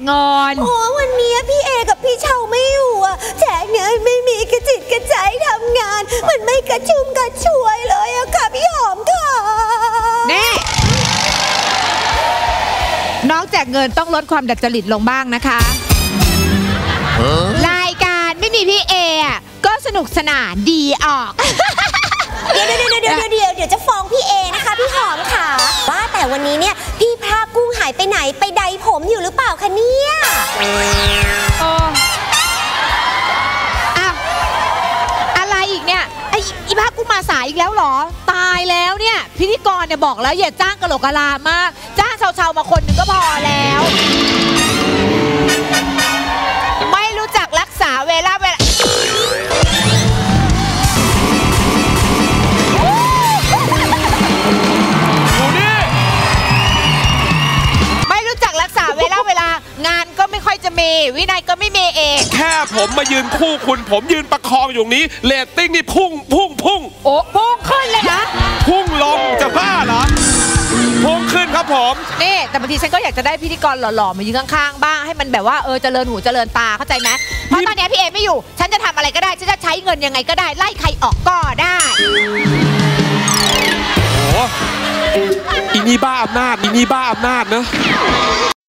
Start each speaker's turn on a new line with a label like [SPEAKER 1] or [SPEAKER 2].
[SPEAKER 1] เงิน
[SPEAKER 2] โอ้วันนี้พี่เอกับพี่เชาไม่อยู่อะแจกเงินไม่มีกระจิตกระใจทำงานมันไม่กระชุ่มกระชวยเลยอะค่ะพี่หอมค่ะ
[SPEAKER 1] นี่น้องแจกเงินต้องลดความดัดจริตลงบ้างนะคะรายการไม่มีพี่เอก็สนุกสนานดีออก
[SPEAKER 2] เดี๋ยวจะฟ้องพี่เอนะคะพี่หอมค่ะว่าแต่วันนี้เนี่ยพี่พระกุ้งหายไปไหนไปใดผมอยู่หรือเปล่าคะเนี่ย
[SPEAKER 1] อะไรอีกเนี่ยอีพระกุ้งมาสายอีกแล้วเหรอตายแล้วเนี่ยพิธีกรเนี่ยบอกแล้วอย่าจ้างกะโหลกกะลามากจ้างชาวๆมาคนหนึ่งก็พอแล้วไม่รู้จักรักษาเวลางานก็ไม่ค่อยจะมีวินัยก็ไม่มีเอง
[SPEAKER 3] แค่ผมมายืนคู่คุณผมยืนประคองอยู่นี้เรตติ้งนี่พุ่งโอ้พุ่ง
[SPEAKER 1] ขึ้นเลยนะ
[SPEAKER 3] พุ่งลงจะบ้าเหรอพุ่งขึ้นครับผม
[SPEAKER 1] นี่แต่บางทีฉันก็อยากจะได้พิธีกรหล่อๆมายืนข้างๆบ้างให้มันแบบว่าเจริญหูเจริญตาเข้าใจไหมเพราะตอนนี้พี่เอไม่อยู่ฉันจะทำอะไรก็ได้ฉันจะใช้เงินยังไงก็ได้ไล่ใครออกก็ได้
[SPEAKER 3] โอ้อีนี่บ้าอำนาจเนอะ